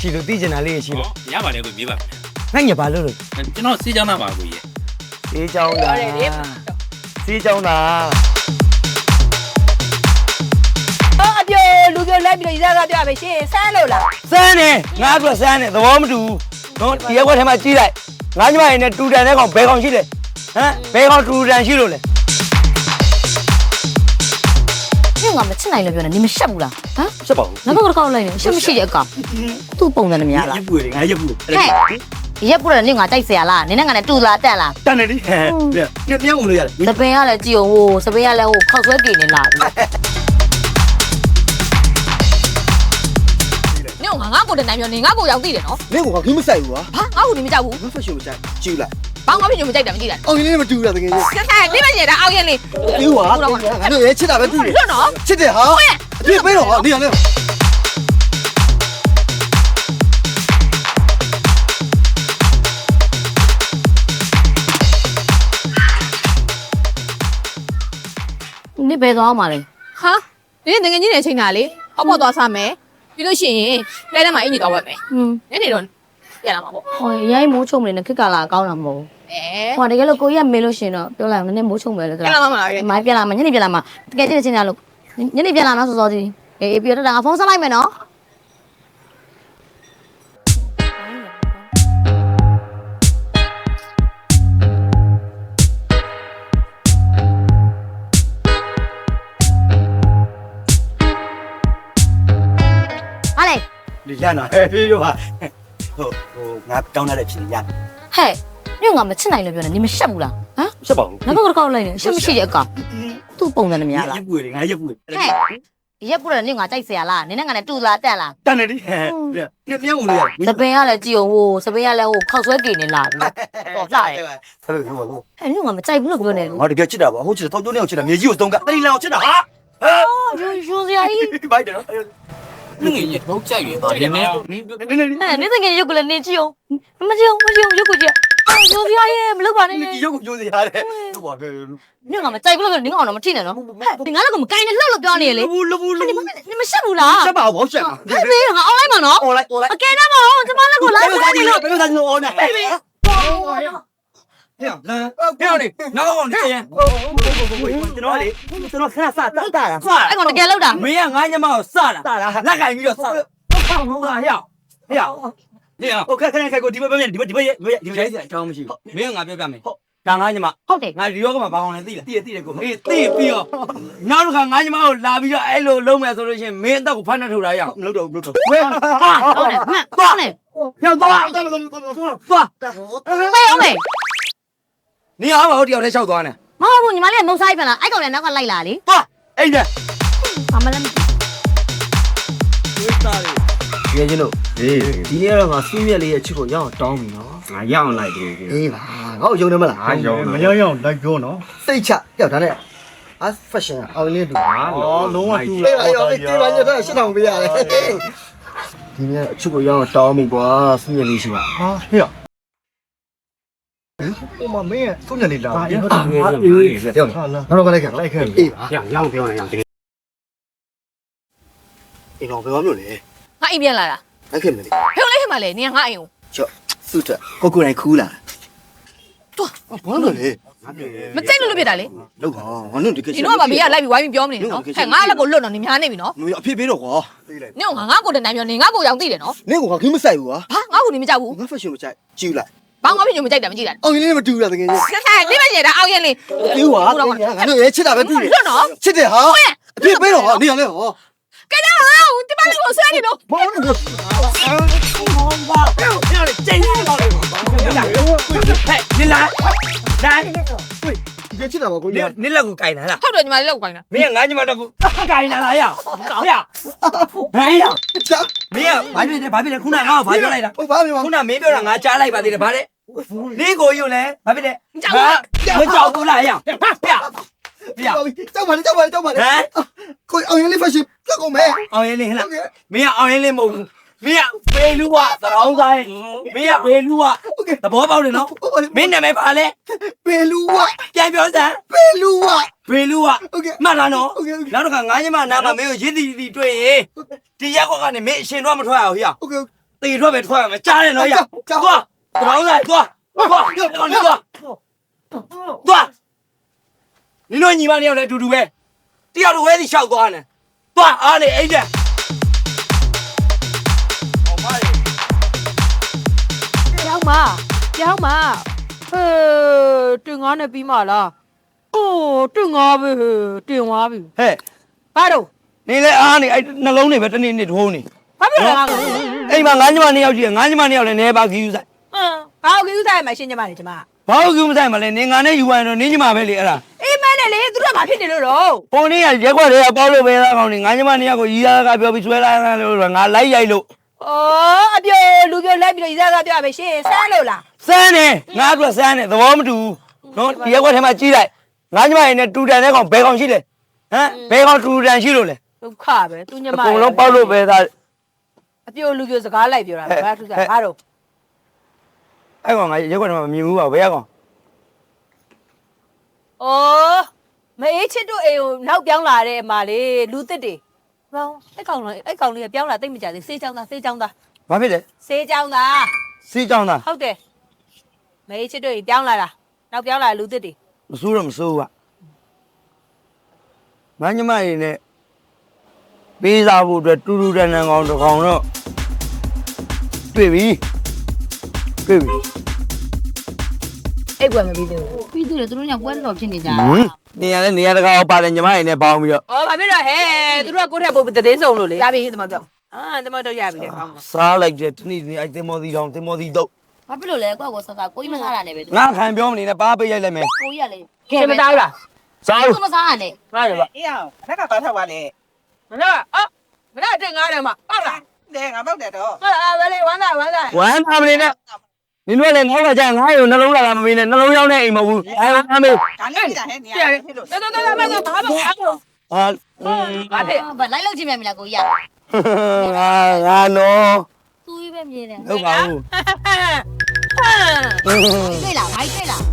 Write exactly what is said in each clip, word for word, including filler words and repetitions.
ရှိလို့သိကျင်တာလေးရှိလို့ရပါတယ်ကိုမြေးပါငါညဘာလို့လို့ကျွန်တော်စေးချောင်းသားပါကိုကြီးစေးချောင်းသားစေးချောင်းသားအော်အပြိုလူပြိုလိုက်ပြီးတော့ရစားပြပဲရှင်ဆန်းလို့လားစမ်းနေငါကစမ်းနေသဘောမတူဘူးနော်ဒီရက်ွက်ထဲမှာကြီးလိုက်ငါညမရင်းနဲ့တူတန်တဲ့ကောင်ဘယ်ကောင်ရှိလဲဟမ်ဘယ်ကောင်တူတန်ရှိလို့လဲညငါမချစ်နိုင်လို့ပြောနေနေမရှက်ဘူးလားဟမ်ရှက်ပါဘူးငါဘက်ကကောက်လိုက်နေရှက်မရှိတဲ့အကောင်သူ့ပုံစံနဲ့များလားရက်ပွေတယ်ငါရက်ပွေဟဲ့ရက်ပူတယ်နေငါတိုက်เสียလားနင်းနဲ့ငါနဲ့တူလားတက်လားတန်နေဒီဟဲ့ညညဝင်လို့ရတယ်စပင်ကလည်းကြည့်အောင်ဟိုစပင်ကလည်းဟိုခောက်ဆွဲကြည့်နေလားနင်ကငါကိုတည်းနိုင်ပြောနေငါကိုရောက်သိတယ်နော်မင်းကခင်းမဆိုင်ဘူးကွာဘာငါကိုဒီမကြောက်ဘူးမဖက်ရှင်မဆိုင်ကြည့်လိုက်ဘာငါဖြစ်ညမကြိုက်တယ်မကြည့်လိုက်အော်ရင်းလေးမတူတာတကယ်ကြီးဆက်ဆက်နေမနေတော့အောက်ရင်လေးအေးကွာငါတို့ရဲချစ်တာပဲတူတယ်လွတ်နော်ချစ်တယ်ဟာအပြည့်ပေးတော့ဟာနေရလဲနစ်ဘယ်သွားမှာလဲဟာဒီနေ့ငငယ်ကြီးနေချိန်တာလေဟောက်ပေါ်သွားစားမယ်ပြီးလို့ရှိရင်လဲထဲမှာအင်ကြီးတော့ဝက်မယ်ဟွန်းညနေတော့ပြန်လာမှာပေါ့ဟိုရိုင်းမိုးချုံနေနဲ့ခက်ကလာကောင်းတာမဟုတ်အဲဟိုတကယ်လို့ကိုကြီးကမေးလို့ရှင်တော့ပြောလိုက်အောင်နည်းနည်းမိုးချုံပဲလေပြန်လာမှာမလားမိုင်းပြန်လာမှာညနေပြန်လာမှာတကယ်ချင်းချင်းလာလို့ညနေပြန်လာမှာစောစောကြီးအေးပြီးတော့ငါဖုန်းဆက်လိုက်မယ်နော်ဟာလေဒီရနာဟဲ့ပြေးရောဟာဟိုဟိုငါတောင်းတဲ့ဖြစ်နေရဟဲ့ညငါမချစ်နိုင်လို့ပြောနေနေမရှက်ဘူးလားဟမ်ရှက်ပါဘူးငါဘက်ကကောက်လိုက်နေရှက်မရှိတဲ့အကောင်သူ့ပုံစံနဲ့များလားရက်ပွေတယ်ငါရက်ပွေဟဲ့ရက်ပူတယ်နေငါတိုက်เสียလားနင်းနဲ့ငါနဲ့တူလားတက်လားတန်နေဒီဟဲ့ညညဝင်လို့ရတယ်စပင်ကလည်းကြည့်အောင်ဟိုစပင်ကလည်းဟိုခောက်ဆွဲကြည့်နေလားတော့လှတယ်ဆက်လို့ပြောပါဦးအဲ့ညငါမကြိုက်ဘူးလို့ပြောနေငါတကယ်ချစ်တာပါဟုတ်ချစ်တယ်တောက်ကျိုးနေအောင်ချစ်တာမြေကြီးကိုသုံးကတတိလန်အောင်ချစ်တာဟာဟဲ့ရိုးရိုးစရာကြီးဘိုက်တယ်နော်ငငယ်ကြီးတော့ကြိုက်ရတော့ဒီနေ့နေနေနေအဲ့နေတကယ်ရုပ်ကလည်းနေကြည့်အောင်မကြည့်အောင်မကြည့်အောင်ရုပ်ကိုကြည့်ရိုးစရာကြီးမလုပ်ပါနဲ့ဒီရုပ်ကိုကျိုးစီရတယ်ဟုတ်ပါပဲညငါမကြိုက်ဘူးလို့ပြောနေငါအောင်တော့မထိနဲ့နော်ဟဲ့ဒီငါလည်းကမကိုင်းနဲ့လှုပ်လို့ပြောနေလေလဘူးလဘူးလဘူးနေမရှက်ဘူးလားရှက်ပါဘောရှက်ဟဲ့ဘေးငါအောင်းလိုက်မှာနော်អនឡាញអនឡាញအကယ်တော့မဟုတ်ကျမလည်းကိုလိုက်ဘယ်လိုသာလို့ဘယ်လိုသာလို့អនឡាញဟဲ့ဟဲ့လမ်းဟဲ့နေနောက်နေရင်ကျွန်တော်လေကျွန်တော်ခဏစတာတာအဲ့ကောင်တကယ်လောက်တာမင်းကငါညမကိုစတာလက်ကင်ပြီးတော့စဟုတ်ဟုတ်လားဟဲ့ဟဲ့နေโอเคခဏခဏကိုဒီဘက်ဘက်ဒီဘက်ဒီဘက်ဒီဘက်ဒီဘက်အကြောင်းမရှိဘူးမင်းကငါပြောပြမယ်ဟုတ်ဒါငါညမဟုတ်တယ်ငါဒီရောကမှာဘာအောင်လဲသိလားသိရသိတယ်ကိုအေးသိပြီးတော့နောက်တစ်ခါငါညမကိုလာပြီးတော့အဲ့လိုလုံးမယ်ဆိုလို့ရှိရင်မင်းအသက်ကိုဖမ်းနှက်ထုတ်တာရအောင်မလုပ်တော့ဘူးမလုပ်တော့ဝဲဟာဟုတ်တယ်မှန်သွားနေရောက်သွားသွားဟဲ့အောင်မေနေအောင်ဟိုတယောက်တည်းလျှောက်သွားနေမဟုတ်ဘူးညီမလေးမုတ်ဆိုင်ပြန်လာအဲ့ကောင်လည်းနောက်ကလိုက်လာလေသွားအိမ်နဲ့ဘာမှလည်းရဲချင်းတို့ဒီနေ့ကတော့ငါစူးမြက်လေးရဲ့ချစ်ကိုရအောင်တောင်းပြီနော်ငါရအောင်လိုက်တယ်ကွာအေးပါငါ့ကိုယုံတယ်မလားငါရောမရောက်ရောက်လိုက်ပြောနော်စိတ်ချပြောက်ဒါနဲ့အာ fashion အောင်လေးတူငါအော်လုံးဝတူအေးပါရောအေးဒီပါညတော့ရှင်းအောင်ပေးရတယ်ဒီနေ့အချစ်ကိုရအောင်တောင်းပြီကွာစူးမြက်လေးရှိပါဟာဟေ့ဟိုမမင်းရဲ့သုံးညနေလာအေးဟုတ်တယ်အေးပြောင်းဟာလာနောက်တော့လိုက်ခဲ့လိုက်ခဲ့အေးပါရရအောင်ပြောနေရအောင်တကယ်အေးတော့ဘယ်မှာမျိုးလဲငါအိမ်ပြန်လာတာလိုက်ခဲ့မယ်လေဖဲလိုက်ခင်မလဲနင်ကငါအိမ်ကိုချော့စုတက်ကိုကိုနိုင်ခူးလာဘာလို့လဲမကြိုက်လို့လို့ဖြစ်တာလေလောက်ပါငါတို့တကယ်ဒီတော့ကဘေးကလိုက်ပြီးဝိုင်းပြီးပြောမနေနော်ဟဲ့ငါလည်းကိုလွတ်တော့နေများနေပြီနော်မအဖြစ်ပေးတော့ကွာနင်ကငါကိုတည်းနိုင်ပြောနေငါကိုရောက်သိတယ်နော်နင့်ကခင်းမဆိုင်ဘူးကွာဘာငါကိုဒီမကြောက်ဘူးငါ fashion မကြိုက်ကြည့်လိုက်ဘာငါဖြစ်ညမကြိုက်တယ်မကြည့်လိုက်အောင်ရင်းလေးမတူတာတကယ်ကြီးဆက်ဆက်နေမနေတော့အောက်ရင်လေးအေးကွာငါတို့ရဲချစ်တာပဲတူတယ်လွတ်နော်ချစ်တယ်ဟာအဖြစ်ပေးတော့ဟာနေရလဲဟောကဲတော့ဒီမလေးကိုဆွဲနေတော့ဘာလို့လဲကျင်းနေပါလေဟဲ့နေလာဒါရဲချစ်တာပါကိုနေကြီးနေလက်ကိုကင်လာလားဟုတ်တယ်ညီမလေးလောက်ကိုင်းတာမင်းကငါညမတော့ကိုကင်လာလားရအောင်ကောင်းရဟဲ့ရချာမင်းကဘာဖြစ်လဲဘာဖြစ်လဲခုနငါ့ကိုဘာပြောလိုက်တာဟိုဘာပြောခုနမင်းပြောတာငါကြားလိုက်ပါသေးတယ်ဗါလေနေကိုယူလဲဘာဖြစ်လဲမကြောက်ဘူးလားရဖျက်ဖျက်ကြောက်ပါလေကြောက်ပါလေကြောက်ပါလေဟမ်ကိုအောင်ရင်းလေး fashion ပြတ်ကုန်မယ်အောင်ရင်လေးဟဲ့လားမင်းကအောင်ရင်လေးမဟုတ်ဘူးမင်းကဖေလူကသရောင်းဆိုင်မင်းကဖေလူကသဘောပေါက်တယ်နော်မင်းနာမည်ပါလဲပေလူဝပြန်ပြောစမ်းပေလူဝဖေလူကโอเคမှတ်လားနော်โอเคနောက်တစ်ခါငါးညမနာမှာမင်းကိုရစ်တီတီတွေ့ရင်ဒီရက်ကွက်ကနေမင်းအရှင်တော့မထွက်အောင်ဟိယโอเคတေထွက်ပဲထွက်ရမယ်ကြားတယ်နော်ရသွားတော်လိုက်သွားသွားတော်နေသွားသွားနင်တို့ညီမနှစ်ယောက်လည်းအတူတူပဲတယောက်တော့ဝဲစီရှောက်သွားနေသွားအားနေအိတ်တဲ့ဟောမလေးပြောင်းမပြောင်းမဟေးတင်ငါနဲ့ပြီးမှလားအိုးတင်ငါပဲတင်သွားပြီဟဲ့ဘာတော့နေလေအားနေအဲ့နှလုံးနေပဲတနေ့နေ့ထိုးနေဘာဖြစ်လဲငါ့ကိုအိမ်မှာငါးညီမနှစ်ယောက်ရှိတယ်ငါးညီမနှစ်ယောက်လည်းနေပါခီးယူဆိုင်ဟမ်ဘာလို့ကိစ္စရမှာရှင်းကြပါလေကျမဘာလို့ခီးမဆိုင်မလဲနေငါနဲ့ယူရရင်တော့နင်းညီမပဲလေအဲ့ဒါအေးမနဲ့လေသူတို့ကဘာဖြစ်နေလို့တော့ပုံနေရရက်ွက်တွေကပေါက်လို့ပဲသားကောင်းနေငါးညီမနှစ်ယောက်ကိုရီးသားကပြောပြီးဆွဲလိုက်ရလို့ငါလိုက်ရိုက်လို့အော်အပြိုလူပြိုလိုက်ပြီးတော့ဤစားကပြောပဲရှင်းစမ်းလို့လားစမ်းနေငါအတွက်စမ်းနေသဘောမတူဘူးနော်ဒီရက်ွက်ထဲမှာကြီးလိုက်ငါးညီမရင်းနဲ့တူတန်တဲ့ကောင်ဘယ်ကောင်ရှိလဲဟမ်ဘယ်ကောင်တူတန်ရှိလို့လဲဒုက္ခပဲသူညမအကုန်လုံးပေါက်လို့ပဲသားအပြိုလူပြိုစကားလိုက်ပြောတာပဲဘာထူးစားဘာတော့အဲ့ကောင်ငါရက်ွက်ထဲမှာမမြင်ဘူးပါဘယ်ကောင်အော်မအေးချစ်တို့အိမ်ကိုနောက်ပြောင်းလာတဲ့အမလေးလူသစ်တွေဘောင်းအဲ့ကောင်လေးအဲ့ကောင်လေးကပြောင်းလာတိတ်မကြသေးစေးချောင်းသားစေးချောင်းသားဘာဖြစ်လဲစေးချောင်းသားစီးကြောင်းသားဟုတ်တယ်မအေးချစ်တို့အိမ်ပြောင်းလာတာနောက်ပြောင်းလာလူသစ်တွေမစိုးတော့မစိုးဘူးကငါးညီမရင်းနဲ့ပေးစားဖို့အတွက်တူတူတန်တန်ကောင်တစ်ကောင်တော့တွေ့ပြီတွေ့ပြီအိတ်ကွယ်မပြီးသေးဘူးပြီးသူတွေသူတို့ညပွဲတော်ဖြစ်နေကြဟမ်နေရလဲနေရတကာအောင်ပါတယ်ညီမရင်းနဲ့ပေါင်းပြီးတော့အော်ဘာဖြစ်တော့ဟဲ့သူတို့ကကိုယ့်ထက်ပိုတည်င်းစုံလို့လေရပြီဒီမှာတော့အာဒီမှာတော့ရပြီလေကောင်းပါစားလိုက်တဲ့တနေ့နေ့အဲ့တင်မော်စီတောင်တင်မော်စီတော့ဘာဖြစ်လို့လဲကိုယ့်ကိုဆော့ဆော့ကိုကြီးမစားတာနဲ့ပဲသူငါခံပြောမနေနဲ့ပါပိတ်ရိုက်လိုက်မယ်ကိုကြီးကလေရှင်းမသားဘူးလားစားသူမစားရနဲ့စားရပါအေးအောင်လက်ကပါထောက်ပါလေမနာအော်မနာတင်ငါးတယ်မှာဟုတ်လားလေငါပောက်တယ်တော့ဟာအာပဲလေဝမ်းသာဝမ်းသာဝမ်းသာမနေနဲ့နင်တို့လည်းငေါ့ကကြငါ့ရုံနှလုံးလာတာမမေးနဲ့နှလုံးရောက်တဲ့အိမ်မဟုတ်ဘူးအဲအမေဒါနဲ့ကြည့်တာဟဲ့နေရာဖြစ်လို့တော်တော်တော်တော်ဘာဘာဘာဘာဟာဘာဖြစ်ဘာလိုက်လို့ချင်းမြန်မလားကိုကြီးကငါငါနော်သူကြီးပဲမြင်တယ်ဟုတ်ပါဘူးတွေ့လားဘာတွေ့လား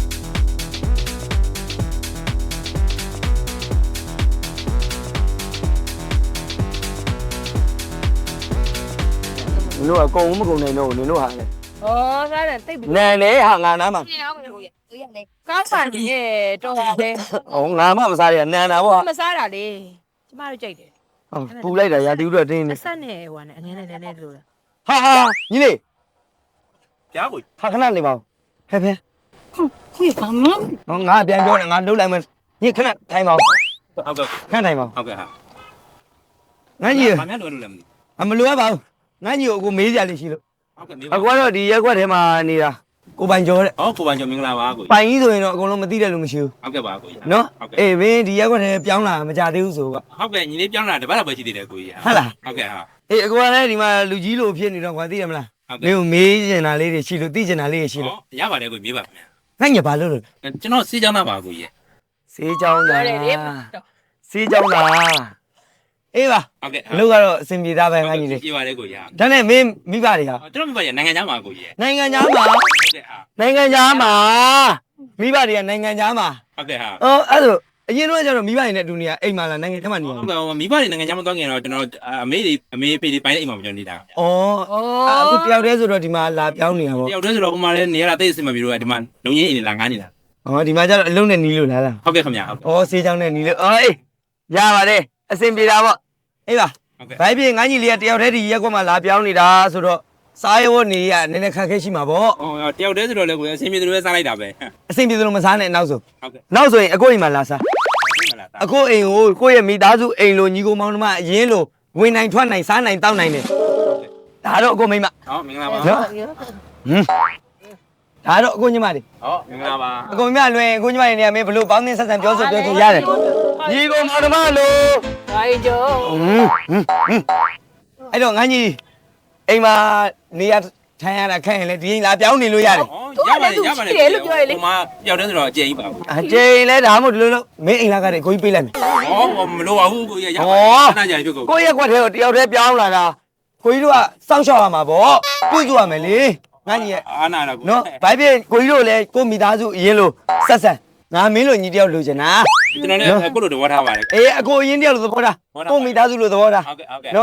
နင်တို့ကကုံမကုံနိုင်တော့နင်တို့ဟာလေဩစားတယ်တိတ်ပြီနန်လေဟာငါနားမှာရှင်းအောင်ကိုကြီးကိုကြီးကလေကောင်းပါနေတော့တယ်ဟောငါမှမစားရနန်တာပေါ့မစားတာလေကျမတို့ကြိုက်တယ်ပူလိုက်တာရာတီဥတော့တင်းနေအဆက်နဲ့ဟိုကနေအနည်းနဲ့နည်းနည်းလို့လားဟာဟာညီလေးပြားကိုဟာခဏနေပါဦးဖဲဖဲခွေဘာမလို့ဟောငါပြန်ပြောနေငါလှုပ်လိုက်မယ်ညီခဏထိုင်ပါဦးဟုတ်ကဲ့ခဏထိုင်ပါဦးဟုတ်ကဲ့ဟာငါညီဘာများလွယ်လို့လဲမသိအမလိုရပါဘူးငါညီကိုအခုမေးကြလိမ့်ရှိလို့ဟုတ်ကဲ့မေးအပါကွာတော့ဒီရက်ကွက်ထဲမှာနေတာကိုပိုင်ကျော်တဲ့ဟောကိုပန်ကျော်မင်္ဂလာပါကိုပိုင်ကြီးဆိုရင်တော့အကုန်လုံးမသိတဲ့လူမရှိဘူးဟုတ်ကဲ့ပါကိုကြီးနော်ဟုတ်ကဲ့အေးဘင်းဒီရက်ကွက်ထဲပြောင်းလာမကြသေးဘူးဆိုကဟုတ်ကဲ့ညီလေးပြောင်းလာတပတ်တော့ပဲရှိသေးတယ်ကိုကြီးဟုတ်လားဟုတ်ကဲ့ဟာအေးအကွာလည်းဒီမှာလူကြီးလိုဖြစ်နေတော့ကွာသိရမလားဟုတ်မင်းကဲ့ကိုမေးကျင်တာလေးတွေရှိလို့သိကျင်တာလေးတွေရှိလို့ဟောရပါတယ်ကိုမေးပါခင်ဗျာငါညဘာလို့လို့ကျွန်တော်စေးချောင်းသားပါကိုကြီးစေးကြောင်းတာတယ်လေစေးကြောင်းတာအေးပါဟုတ်ကဲ့အလုပ်ကတော့အဆင်ပြေသားပဲငါညီလေးပြေပါတယ်ကိုကြီးဟာဒါနဲ့မင်းမိဘတွေဟာကျွန်တော်မိဘရနိုင်ငံသားပါကိုကြီးနိုင်ငံသားမှာဟုတ်ကဲ့ဟာနိုင်ငံသားမှာမိဘတွေကနိုင်ငံသားမှာဟုတ်ကဲ့ဟာအော်အဲ့ဒါအရင်တော့ကျတော့မိဘတွေနဲ့အတူနေရအိမ်မှာလားနိုင်ငံထဲမှာနေရဟုတ်ကဲ့မိဘတွေနိုင်ငံခြားမသွားခင်တော့ကျွန်တော်အမေတွေအမေဖေတွေပိုင်းတဲ့အိမ်မှာကျွန်တော်နေတာ။အော်အခုတယောက်တည်းဆိုတော့ဒီမှာလာပြောင်းနေတာပေါ့တယောက်တည်းဆိုတော့ဟိုမှာလည်းနေရတာတိတ်အဆင်မပြေတော့ဒီမှာလုံရင်းအိမ်လာငားနေတာ။အော်ဒီမှာကျတော့အလုံးနဲ့နီးလို့လားလားဟုတ်ကဲ့ခင်ဗျာဟုတ်။အော်ဆေးချောင်းနဲ့နီးလို့အော်အေးရပါတယ်အဆင်ပြေတာပေါ့။အေးပါဟုတ်ကဲ့။ဘိုင်းပြေငန်းကြီးလေးကတယောက်တည်းဒီရက်ကွက်မှာလာပြောင်းနေတာဆိုတော့စားရဝတ်နေရနည်းနည်းခက်ခဲရှိမှာပေါ့ဟောတယောက်တည်းဆိုတော့လည်းကိုယ်အဆင်ပြေတယ်လို့စားလိုက်တာပဲ။အဆင်ပြေသလိုမစားနဲ့နောက်ဆိုဟုတ်ကဲ့။နောက်ဆိုရင်အကိုအိမ်မှာလာစားမလား။အကိုအိမ်ကိုကိုယ့်ရဲ့မိသားစုအိမ်လိုညီကိုမောင်နှမအရင်လိုဝင်နိုင်ထွက်နိုင်စားနိုင်တောက်နိုင်တယ်။ဒါတော့အကိုမိမဟောမင်္ဂလာပါနော်။ဟမ်ဒါတော့အကိုညီမတွေဟောမင်္ဂလာပါအကုန်မြလွင်ကိုညီမတွေနေရာမင်းဘလို့ပေါင်းသင်းဆက်ဆံပြောဆိုပြောဆိုရတယ်ညီကိုမောင်နှမလို့ဘာရင်ကျော်ဟွန်းဟွန်းဟွန်းအဲ့တော့ငန်းကြီးအိမ်မှာနေရာထိုင်ရတာခက်ရင်လေဒီအိမ်လာပြောင်းနေလို့ရတယ်ဟောရပါတယ်ရပါတယ်ဟိုမှာတယောက်တည်းဆိုတော့အကျဉ်းကြီးပါဘူးအကျိန်လဲဒါမှမဟုတ်ဒီလိုလို့မင်းအိမ်လာကတည်းကိုကြီးပေးလိုက်မယ်ဟောမလိုပါဘူးကိုကြီးရပါတယ်ခဏကြာပြီကိုကိုရဲ့ကွက်ထဲကိုတယောက်တည်းပြောင်းလာတာကိုကြီးတို့ကစောင့်ရှောက်ရမှာပေါ့ပြုစုရမယ်လေငန်းကြီးရဲ့အာနာတော့နော်ဘိုက်ပြကိုကြီးတို့လည်းကိုမိသားစုအရင်လို့ဆက်ဆံငါမင်းလိုညီတယောက်လိုချင်တာကျွန်တော်လည်းကိုလိုတော့ဝါထားပါတယ်အေးအကိုအရင်တယောက်လိုသဘောထားကိုမိသားစုလိုသဘောထားဟုတ်ကဲ့ဟုတ်ကဲ့နော်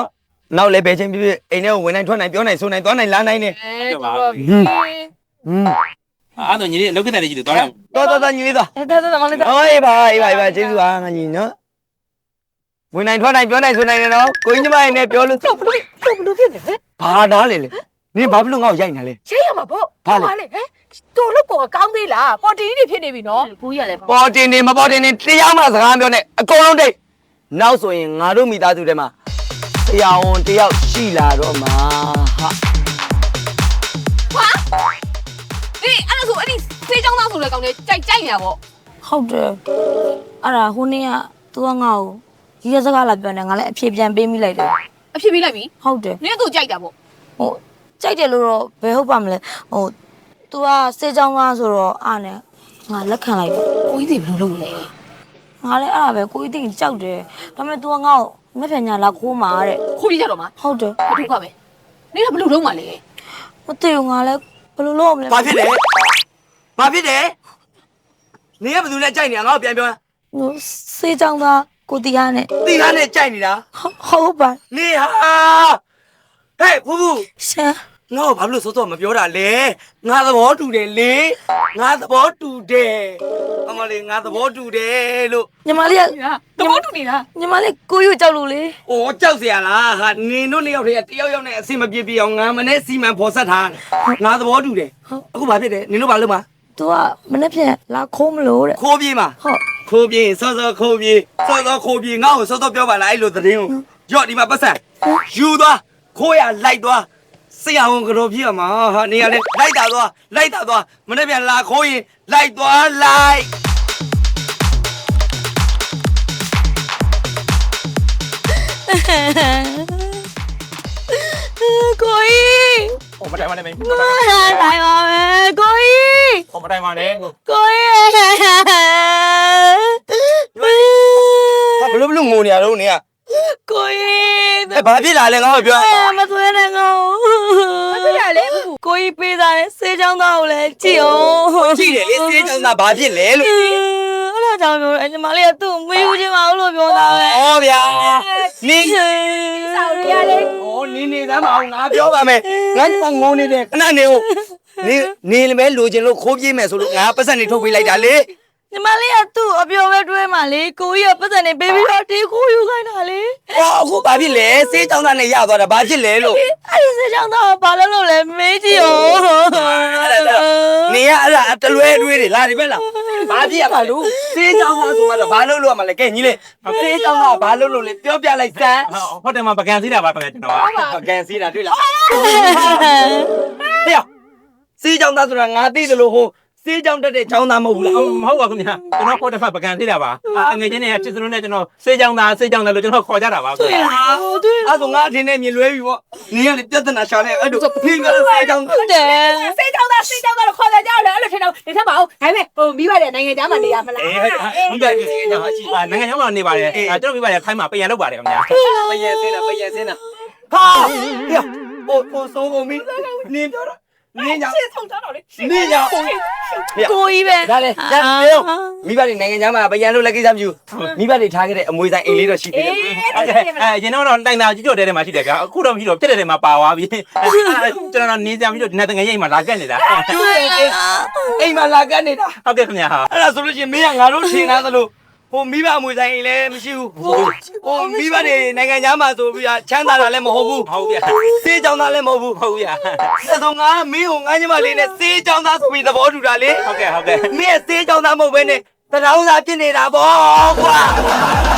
နောက်လည်းဘယ်ချင်းပြပြအိမ်ထဲကိုဝင်နိုင်ထွက်နိုင်ပြောနိုင်ဆိုနိုင်သွားနိုင်လာနိုင်နေအဲတော်တော်ပြီဟွန်းအဲ့တော့ညီလေးလောက်ကတဲ့ကြီးတွေသွားရအောင်တော်တော်တော်ညီလေးသွားအဲဒါဒါမလေးဟောအေးပါအေးပါအေးပါကျေးဇူးပါငါညီနော်ဝင်နိုင်ထွက်နိုင်ပြောနိုင်ဆိုနိုင်တယ်နော်ကိုကြီးညီမအိမ်နဲ့ပြောလို့တော့ဘလို့တော့ဘလို့ဖြစ်နေလဲဘာနားလေလေနင်ဘာဖြစ်လို့ငါ့ကိုရိုက်နေလဲရှင်းရမှာပေါ့လေဟဲ့တော်လို့ပေါ်ကောင်းသေးလားပေါ်တီကြီးတွေဖြစ်နေပြီနော်ကိုကြီးကလည်းပေါ်တင်နေမပေါ်တင်နေတရားမှစကားပြောနေအကုန်လုံးတိတ်နောက်ဆိုရင်ငါတို့မိသားစုထဲမှာဆရာဝန်တယောက်ရှိလာတော့မှာဟာဟာဒီအဲ့ဒါဆိုအဲ့ဒီစေးချောင်းသားဆိုတဲ့ကောင်လေးကြိုက်ကြိုက်နေတာပေါ့ဟုတ်တယ်အဲ့ဒါဟိုနေ့က तू ကငါ့ကိုရီးရစကားလာပြောနေငါလည်းအဖြေပြန်ပေးမိလိုက်တယ်အဖြစ်ပြီးလိုက်ပြီဟုတ်တယ်နင်ကသူ့ကြိုက်တာပေါ့ဟိုကြိုက်တယ်လို့တော့ဘယ်ဟုတ်ပါမလဲဟို तू ကစေးချောင်းသားဆိုတော့အားနဲ့ငါလက်ခံလိုက်တယ်ကိုကြီးတွေဘယ်လိုလုပ်လဲငါလည်းအဲ့ဒါပဲကိုကြီးတင်ကြောက်တယ်ဒါပေမဲ့ तू ကငါ့ကိုမဖြန်ညာလာခိုးမှာတဲ့ခိုးပြကြတော့မှာဟုတ်တယ်ဘာဒုက္ခပဲနင်ကဘယ်လိုလုပ်မှာလဲမသိဘူးငါလည်းဘယ်လိုလုပ်မလဲဘာဖြစ်လဲဘာဖြစ်တယ်နင်ကဘယ်သူနဲ့ကြိုက်နေတာငါ့ကိုပြန်ပြောဟိုစေးချောင်းသားကိုတီးရနဲ့တီကားနဲ့ကြိုက်နေတာဟုတ်ပါနေဟာဟဲ့ဖူးဖူးရှာငါ့ကိုဘာလို့စောစောမပြောတာလဲငါသဘောတူတယ်လေငါသဘောတူတယ်အမလေးငါသဘောတူတယ်လို့ညီမလေးကတဘောတူနေတာညီမလေးကိုကြီးကိုကြောက်လို့လေအိုးကြောက်စရာလားဟာနင်တို့နှစ်ယောက်တည်းကတယောက်ယောက်နဲ့အဆင်မပြေပြေအောင်ငါမနဲ့စီမံဖော်ဆက်ထားငါသဘောတူတယ်အခုဘာဖြစ်တယ်နင်တို့ဘာလုပ်မှာ तू ကမနေ့ပြန်လာခိုးမလို့တဲ့ခိုးပြေးမှာဟုတ်ခိုးပြေးစောစောခိုးပြေးစောစောခိုးပြေးငါ့ကိုစောစောပြောပါလားအဲ့လိုသတင်းကိုရော့ဒီမှာပတ်စံယူသွားခိုးရလိုက်သွားဆရာဝန်ကတော့ပြရမှာဟာနေရလဲလိုက်တာသွားလိုက်တာသွားမနေ့ပြန်လာခိုးရင်လိုက်သွားလိုက်ကိုကြီးဟိုမတိုင်ပါနဲ့မင်းမတိုင်းပါမယ်ကိုကြီးဟိုမတိုင်ပါနဲ့ကိုကိုကြီးဟာဘလို့ဘလို့ငိုနေရတော့နေရကိုကြီးအဲဘာဖြစ်လာလဲငါ့ကိုပြောမသွေးနဲ့ငေါမသိရလေဘူးကိုကြီးပေးသားတဲ့ဆေးချောင်းသားကိုလည်းကြည့်အောင်ကြည့်တယ်လေစေးချောင်းသားဘာဖြစ်လဲလို့အဲ့ဒါကြောင့်ပြောတယ်ညီမလေးကသူ့မေးဦးချင်းမအောင်လို့ပြောတာပဲဩဗျာနင်းဆောက်ရလေဩနင်းနေသမ်းမအောင်ငါပြောပါမယ်ငါကငုံနေတယ်ခဏနေဦးနေနေလည်းပဲလိုချင်လို့ခိုးပြေးမယ်ဆိုလို့ငါပတ်စံနေထုတ်ပေးလိုက်တာလေညီမလေးကသူ့အပြောပဲတွေးမှလေကိုကြီးကပတ်စံနေပေးပြီးတော့တေးခိုးယူခိုင်းတာလေဩအခုဘာဖြစ်လဲစေးချောင်းသားနဲ့ရသွားတာဘာဖြစ်လဲလို့အဲ့ဒီဆေးချောင်းသားကဘာလို့လို့လဲမေးကြည့်အောင်နေရအဲ့ဒါတလွဲတွေးတွေလာဒီဘက်လာဘာဖြစ်ရမှာလို့စေးချောင်းသားဆိုမှတော့ဘာလို့လို့ရမှာလဲကဲညီလေးစေးချောင်းသားဘာလို့လို့လဲပြောပြလိုက်စမ်းဟုတ်တယ်မှာပကံစီးတာပါပကံကျွန်တော်ကပကံစီးတာတွေ့လားဟေ့စေးချောင်းသားဆိုတာငါသိတယ်လို့ဟိုစေးချောင်းတက်တဲ့ချောင်းသားမဟုတ်ဘူးလားမဟုတ်ပါဘူးခင်ဗျာကျွန်တော်ခေါ်တဲ့ဖက်ပကံစီးတာပါအငွေချင်းနဲ့ချစ်စလုံးနဲ့ကျွန်တော်စေးကြောင်သားစေးကြောင်သားလို့ကျွန်တော်ခေါ်ကြတာပါခင်ဗျာအဲ့ဆိုငါအထင်နဲ့မြင်လွဲပြီပေါ့နေရလေပြဿနာရှာနေအဲ့လိုဖိကလေးစေးချောင်းဟုတ်တယ်စေးချောင်းသားစေးချောင်းသားလို့ခေါ်ကြကြတယ်အဲ့လိုထင်တော့နေထက်ပါအောင်ဒါပေမဲ့ဟိုမိဘတဲ့နိုင်ငံသားမှာနေရမလားအေးဟုတ်တယ်နိုင်ငံခြားမှာနေပါတယ်ကျွန်တော်မိပါတယ်ခိုင်းမှာပြန်လုပ်ပါတယ်ခင်ဗျာပယံစင်းတာပယံစင်းတာဟာဟေ့ဟိုဟိုစိုးကုန်ပြီနင်းပြောတော့နင်းကြောင့်စေးထုံထားတော့လေနင်းကြောင့်ကိုကြီးပဲဒါလေဒါလေမိဘတွေနိုင်ငံခြားမှာပယံလို့လည်းကိစ္စမရှိဘူးမိဘတွေထားခဲ့တဲ့အမွေဆိုင်အိမ်လေးတော့ရှိသေးတယ်အဲရင်တော့တိုင်တာကျွတ်တဲ့ထဲမှာရှိတယ်ဗျာအခုတော့မရှိတော့ပြက်တဲ့ထဲမှာပါသွားပြီကျွန်တော်နေကြပြီးတော့ဒီနေ့တငယ်ရိပ်မှာလာကက်နေတာအိမ်မှာလာကတ်နေတာဟုတ်ကဲ့ခင်ဗျာဟာအဲ့ဒါဆိုလို့ရှိရင်မင်းကငါတို့ထင်သားသလိုဟိုမိဘအမွေဆိုင်အိမ်လည်းမရှိဘူးဟိုမိဘတွေနိုင်ငံခြားမှာဆိုပြီးချမ်းသာတာလည်းမဟုတ်ဘူးဟုတ်ဗျာစေးကြောင်သားလည်းမဟုတ်ဘူးဟုတ်ဗျာအဲ့ဆိုငါမင်းကိုငါညီမလေးနဲ့စေးကြောင်သားဆိုပြီးသဘောတူတာလေဟုတ်ကဲ့ဟုတ်ကဲ့မင်းစေးကြောင်သားမဟုတ်ဘဲနဲ့တရောင်းသားဖြစ်နေတာပေါ့ကွာ